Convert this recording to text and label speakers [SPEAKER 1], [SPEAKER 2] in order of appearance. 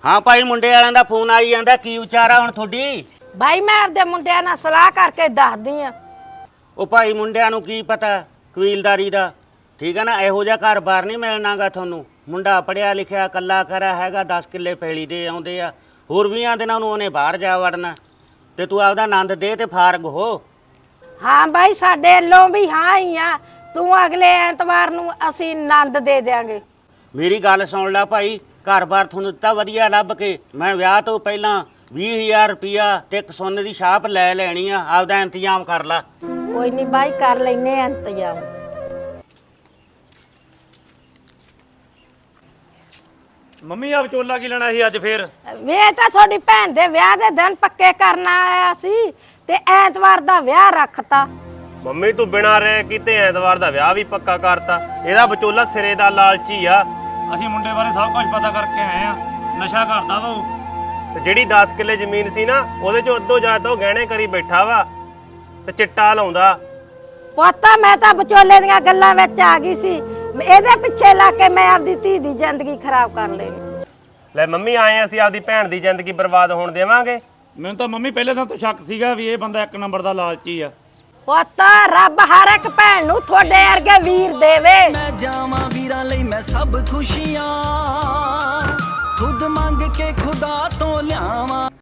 [SPEAKER 1] ਹਾਂ ਭਾਈ, ਮੁੰਡੇ ਵਾਲਿਆਂ ਦਾ ਫੋਨ ਆਈ ਜਾਂਦਾ, ਕੀ ਵਿਚਾਰਾ ਹੁਣ ਤੁਹਾਡੀ?
[SPEAKER 2] ਬਾਈ ਮੈਂ ਆਪਦੇ ਮੁੰਡਿਆਂ ਨਾਲ ਸਲਾਹ ਕਰਕੇ ਦੱਸਦੀ ਆ।
[SPEAKER 1] ਉਹ ਭਾਈ ਮੁੰਡਿਆਂ ਨੂੰ ਕੀ ਪਤਾ ਕਬੀਲਦਾਰੀ ਦਾ, ਠੀਕ ਹੈ ਨਾ। ਇਹੋ ਜਿਹਾ ਘਰ-ਬਾਰ ਨਹੀਂ ਮਿਲਣਾਗਾ ਤੁਹਾਨੂੰ। ਮੁੰਡਾ ਪੜਿਆ ਲਿਖਿਆ ਕੱਲਾ ਖਰਾ ਹੈਗਾ, 10 ਕਿੱਲੇ ਪੈਲੀ ਦੇ ਆਉਂਦੇ ਆ। ਹੋਰ 20 ਦਿਨਾਂ ਨੂੰ ਉਹਨੇ ਬਾਹਰ ਜਾ ਵੜਨਾ, ਤੇ ਤੂੰ ਆਪਦਾ ਆਨੰਦ ਦੇ ਤੇ ਫਾਰਗ ਹੋ।
[SPEAKER 2] ਹਾਂ ਬਾਈ, ਸਾਡੇ ਵੱਲੋਂ ਵੀ ਹਾਂ ਹੀ ਆ। ਤੂੰ ਅਗਲੇ ਐਤਵਾਰ ਨੂੰ ਅਸੀਂ ਆਨੰਦ ਦੇ ਦਿਆਂਗੇ।
[SPEAKER 1] ਮੇਰੀ ਗੱਲ ਸੁਣ ਲੈ ਭਾਈ, ਘਰ-ਬਾਰ ਤੁਹਾਨੂੰ ਦਿੱਤਾ ਵਧੀਆ ਲੱਭ ਕੇ। ਮੈਂ ਵਿਆਹ ਤੋਂ ਪਹਿਲਾਂ 20,000 ਰੁਪਇਆ ਤੇ ਇੱਕ ਸੋਨੇ ਦੀ ਛਾਪ ਲੈ ਲੈਣੀ ਆ। ਆਪਦਾ ਇੰਤਜ਼ਾਮ ਕਰ ਲੈ।
[SPEAKER 2] ਕੋਈ ਨਹੀਂ ਬਾਈ, ਕਰ ਲੈਨੇ ਆ ਇੰਤਜ਼ਾਮ।
[SPEAKER 3] ਮੰਮੀ ਆ ਵਿਚੋਲਾ ਕੀ ਲੈਣਾ ਸੀ ਅੱਜ ਫੇਰ?
[SPEAKER 2] ਵੇ ਤਾਂ ਤੁਹਾਡੀ ਭੈਣ ਦੇ ਵਿਆਹ ਦੇ ਦਿਨ ਪੱਕੇ ਕਰਨ ਆਇਆ ਸੀ ਤੇ ਐਤਵਾਰ ਦਾ ਵਿਆਹ ਰੱਖਤਾ।
[SPEAKER 4] ਮੰਮੀ ਤੂੰ ਬਿਨਾਂ ਰਹਿ ਕੀਤੇ ਐਤਵਾਰ ਦਾ ਵਿਆਹ ਵੀ ਪੱਕਾ ਕਰਤਾ। ਇਹਦਾ ਵਿਚੋਲਾ ਸਿਰੇ ਦਾ ਲਾਲਚੀ ਆ।
[SPEAKER 3] ਅਸੀਂ ਮੁੰਡੇ ਬਾਰੇ ਸਭ ਕੁਝ ਪਤਾ ਕਰਕੇ ਆਏ ਆ। ਨਸ਼ਾ ਕਰਦਾ ਵਾ ਉਹ।
[SPEAKER 4] ਤੇ ਜਿਹੜੀ 10 ਕਿੱਲੇ ਜ਼ਮੀਨ ਸੀ ਨਾ, ਉਹਦੇ ਚੋਂ ਅੱਧੋ ਜ਼ਿਆਦਾ ਉਹ ਗਹਿਣੇ ਕਰੀ ਬੈਠਾ ਵਾ ਤੇ ਚਿੱਟਾ ਲਾਉਂਦਾ।
[SPEAKER 2] ਪਤਾ ਮੈਂ ਤਾਂ ਵਿਚੋਲੇ ਦੀਆਂ ਗੱਲਾਂ ਵਿੱਚ ਆ ਗਈ ਸੀ। ਇਹਦੇ ਪਿੱਛੇ ਲੱਗ ਕੇ ਮੈਂ ਆਪਦੀ ਧੀ ਦੀ ਜ਼ਿੰਦਗੀ ਖਰਾਬ ਕਰ ਲਈ।
[SPEAKER 4] ਲੈ ਮੰਮੀ, ਆਏ ਅਸੀਂ ਆਪਦੀ ਭੈਣ ਦੀ ਜ਼ਿੰਦਗੀ ਬਰਬਾਦ ਹੋਣ ਦੇਵਾਂਗੇ?
[SPEAKER 3] ਮੈਨੂੰ ਤਾਂ ਮੰਮੀ ਪਹਿਲੇ ਦਿਨ ਤੋਂ ਸ਼ੱਕ ਸੀਗਾ ਵੀ ਇਹ ਬੰਦਾ ਇੱਕ ਨੰਬਰ ਦਾ ਲਾਲਚੀ ਆ।
[SPEAKER 2] ਪਤਾ ਰੱਬ ਹਰ ਇੱਕ ਭੈਣ ਨੂੰ ਤੁਹਾਡੇ ਵਰਗੇ ਵੀਰ ਦੇਵੇ।
[SPEAKER 5] ਮੈਂ ਜਾਵਾਂ ਵੀਰਾਂ ਲਈ ਮੈਂ ਸਭ ਖੁਸ਼ੀਆਂ ਖੁਦ ਮੰਗ ਕੇ ਖੁਦਾ ਤੋਂ ਲਿਆਵਾਂ।